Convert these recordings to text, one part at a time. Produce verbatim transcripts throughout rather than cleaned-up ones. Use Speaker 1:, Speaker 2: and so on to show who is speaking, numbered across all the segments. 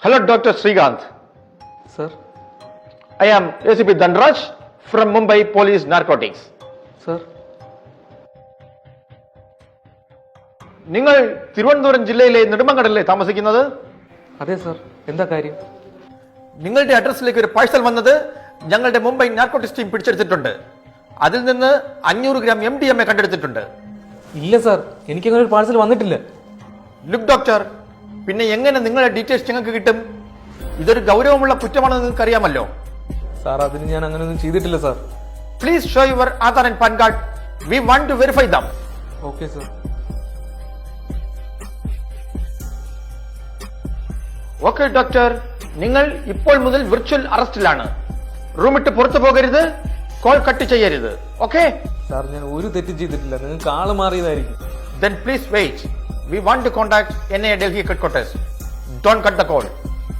Speaker 1: Hello, Doctor Srikanth.
Speaker 2: Sir.
Speaker 1: I am A C P Dhanraj from Mumbai Police Narcotics.
Speaker 2: Sir.
Speaker 1: നിങ്ങൾ തിരുവനന്തപുരം ജില്ലയിലെ നെടുമങ്ങാടല്ലേ താമസിക്കുന്നത്?
Speaker 2: അതെ sir. എന്താ കാര്യം?
Speaker 1: നിങ്ങളുടെ അഡ്രസ്സിലേക്ക് ഒരു പാഴ്സൽ വന്നത് ഞങ്ങളുടെ മുംബൈ നാർക്കോട്ടിക്സ് ടീം പിടിച്ചെടുത്തിട്ടുണ്ട്. അതിൽ നിന്ന് അഞ്ഞൂറ് gram M D M A കണ്ടെടുത്തിട്ടുണ്ട്.
Speaker 2: ഇല്ല സർ, എനിക്കങ്ങനെ ഒരു പാഴ്സൽ വന്നിട്ടില്ല.
Speaker 1: ലുക്ക് ഡോക്ടർ, പിന്നെ എങ്ങനെ നിങ്ങളുടെ ഡീറ്റെയിൽസ് ഞങ്ങൾക്ക് കിട്ടും? ഇതൊരു ഗൗരവമുള്ള കുറ്റമാണെന്ന് നിങ്ങൾക്ക് അറിയാമല്ലോ.
Speaker 2: സാർ, അതിന് ഞാൻ അങ്ങനെയൊന്നും ചെയ്തിട്ടില്ല sir.
Speaker 1: Please show your Aadhaar and PAN card. We want to verify them.
Speaker 2: Okay sir.
Speaker 1: Okay doctor, നിങ്ങൾ ഇപ്പോൾ മുതൽ വിർച്വൽ അറസ്റ്റിലാണ്. റൂമിട്ട് പുറത്തു പോകരുത്, കോൾ കട്ട് ചെയ്യരുത്. ഓക്കെ
Speaker 2: സാർ, ഞാൻ ഒരു തെറ്റും ചെയ്തിട്ടില്ല. നിങ്ങൾക്ക് ആള് മാറിയതായിരിക്കും.
Speaker 1: Then please wait. We want to contact N I A Delhi headquarters. Don't cut the call.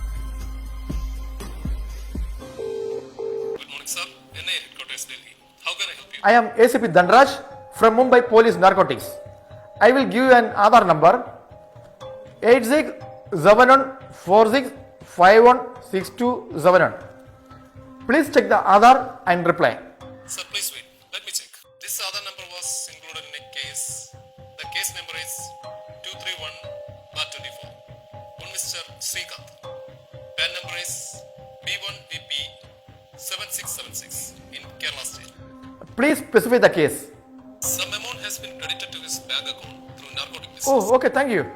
Speaker 3: Good morning, sir. N I A headquarters, Delhi. How can I help you?
Speaker 1: I am A C P Dhanraj from Mumbai Police Narcotics. I will give you an Aadhaar number eight six seven one four six five one six two seven one. Please check the Aadhaar and reply.
Speaker 3: Sir, please wait. Let me check. This other number was included in a case. The case number is two three one bar twenty-four. One Mister Srikanth. Pan number is B one V P seven six seven six in Kerala State.
Speaker 1: Please specify the case.
Speaker 3: Some amount has been credited to his bank account through narcotic business.
Speaker 1: Oh, okay, thank you.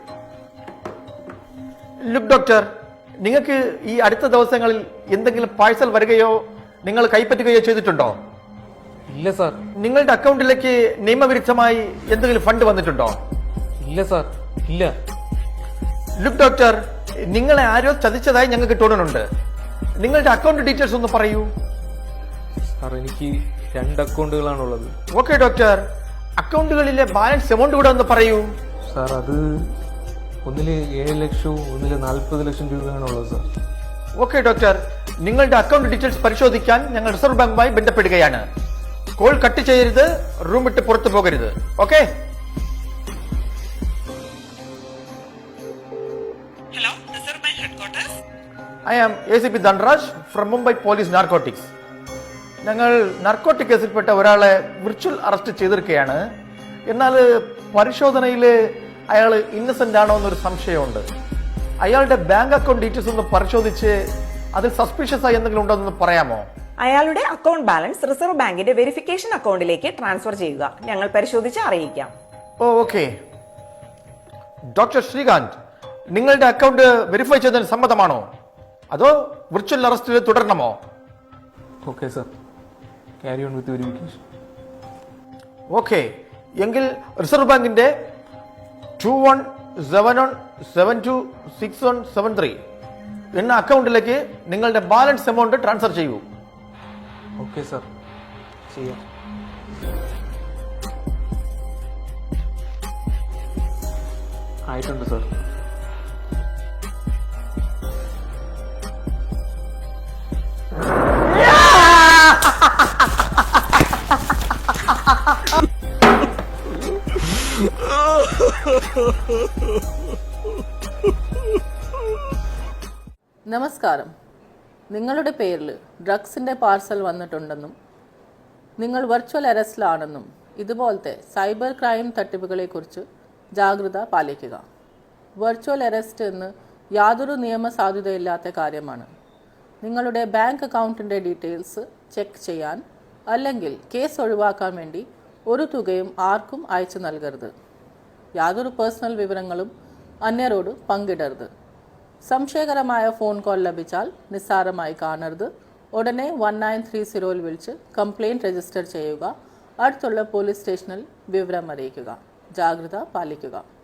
Speaker 1: Look, doctor, നിങ്ങൾക്ക് ഈ അടുത്ത ദിവസങ്ങളിൽ എന്തെങ്കിലും parcel വരികയോ നിങ്ങൾ കൈപ്പറ്റുകയോ ചെയ്തിട്ടുണ്ടോ?
Speaker 2: ഇല്ല sir.
Speaker 1: നിങ്ങളുടെ അക്കൗണ്ടിലേക്ക് നിയമവിരുദ്ധമായി എന്തെങ്കിലും ഫണ്ട് വന്നിട്ടുണ്ടോ?
Speaker 2: ഇല്ല സാർ, ഇല്ല.
Speaker 1: ലുക്ക് ഡോക്ടർ, നിങ്ങളെ ആരോ ചതിച്ചതായി ഞങ്ങൾക്ക് തോന്നുന്നുണ്ട്. നിങ്ങളുടെ അക്കൗണ്ട് ഡീറ്റെയിൽസ് ഒന്ന് പറയൂ.
Speaker 2: സാർ, എനിക്ക് രണ്ട് അക്കൗണ്ടുകളാണുള്ളത്.
Speaker 1: ഓക്കെ ഡോക്ടർ, അക്കൗണ്ടുകളിലെ ബാലൻസ് എമൗണ്ട് കൂടെ ഒന്ന് പറയൂ.
Speaker 2: സാർ, അത് ഒന്നില് ഏഴ് ലക്ഷവും ഒന്നില് നാൽപ്പത് ലക്ഷം രൂപയാണുള്ളത് സാർ.
Speaker 1: ഓക്കെ ഡോക്ടർ, നിങ്ങളുടെ അക്കൗണ്ട് ഡീറ്റെയിൽസ് പരിശോധിക്കാൻ ഞങ്ങൾ റിസർവ് ബാങ്കുമായി ബന്ധപ്പെടുകയാണ്. കോൾ കട്ട് ചെയ്യരുത്, റൂം വിട്ട് പുറത്തു പോകരുത്. Okay?
Speaker 4: Hello, Reserve Bank Headquarters.
Speaker 1: I am A C P Dhanraj from Mumbai police narcotics. ഞങ്ങൾ നാർക്കോട്ടിക് കേസിൽപ്പെട്ട ഒരാളെ വിർച്വൽ അറസ്റ്റ് ചെയ്തിരിക്കുകയാണ്. എന്നാൽ പരിശോധനയിൽ അയാൾ ഇന്നസെന്റ് ആണോ എന്നൊരു സംശയമുണ്ട്. അയാളുടെ ബാങ്ക് അക്കൗണ്ട് ഡീറ്റെയിൽസ് ഒന്ന് പരിശോധിച്ച് അതിൽ സസ്പീഷ്യസ് ആയി എന്തെങ്കിലും ഉണ്ടോ എന്ന് പറയാമോ?
Speaker 4: അയാളുടെ അക്കൗണ്ട് ബാലൻസ് റിസർവ് ബാങ്കിന്റെ വെരിഫിക്കേഷൻ അക്കൗണ്ടിലേക്ക് ട്രാൻസ്ഫർ ചെയ്യുക. ഞങ്ങൾ പരിശോധിച്ച് അറിയിക്കാം.
Speaker 1: ഓ ഓക്കെ. ഡോക്ടർ ശ്രീകാന്ത്, നിങ്ങളുടെ അക്കൗണ്ട് വെരിഫൈ ചെയ്തതിന് സമ്മതമാണോ, അതോ വിർച്വൽ അറസ്റ്റിൽ തുടരണമോ?
Speaker 2: Okay sir, carry on with verification.
Speaker 1: Okay, എങ്കിൽ റിസർവ് ബാങ്കിന്റെ two one seven one seven two six one seven three എന്ന അക്കൗണ്ടിലേക്ക് നിങ്ങളുടെ ബാലൻസ് എമൗണ്ട് ട്രാൻസ്ഫർ ചെയ്യൂ.
Speaker 2: ഓക്കെ സാർ, ചെയ്യാം. ആയിട്ടുണ്ട് സാർ.
Speaker 5: നമസ്കാരം. നിങ്ങളുടെ പേരിൽ ഡ്രഗ്സിൻ്റെ പാർസൽ വന്നിട്ടുണ്ടെന്നും നിങ്ങൾ വെർച്വൽ അറസ്റ്റിലാണെന്നും ഇതുപോലത്തെ സൈബർ ക്രൈം തട്ടിപ്പുകളെക്കുറിച്ച് ജാഗ്രത പാലിക്കുക. വെർച്വൽ അറസ്റ്റ് എന്ന് യാതൊരു നിയമസാധുതയില്ലാത്ത കാര്യമാണ്. നിങ്ങളുടെ ബാങ്ക് അക്കൗണ്ടിൻ്റെ ഡീറ്റെയിൽസ് ചെക്ക് ചെയ്യാൻ അല്ലെങ്കിൽ കേസ് ഒഴിവാക്കാൻ വേണ്ടി ഒരു തുകയും ആർക്കും അയച്ചു നൽകരുത്. യാതൊരു പേഴ്സണൽ വിവരങ്ങളും അന്യരോട് പങ്കിടരുത്. സംശയകരമായ ഫോൺ കോൾ ലഭിച്ചാൽ നിസ്സാരമായി കാണരുത്. ഉടനെ വൺ നയൻ ത്രീ സീറോയിൽ വിളിച്ച് കംപ്ലയിൻറ്റ് രജിസ്റ്റർ ചെയ്യുക. അടുത്തുള്ള പോലീസ് സ്റ്റേഷനിൽ വിവരം അറിയിക്കുക. ജാഗ്രത പാലിക്കുക.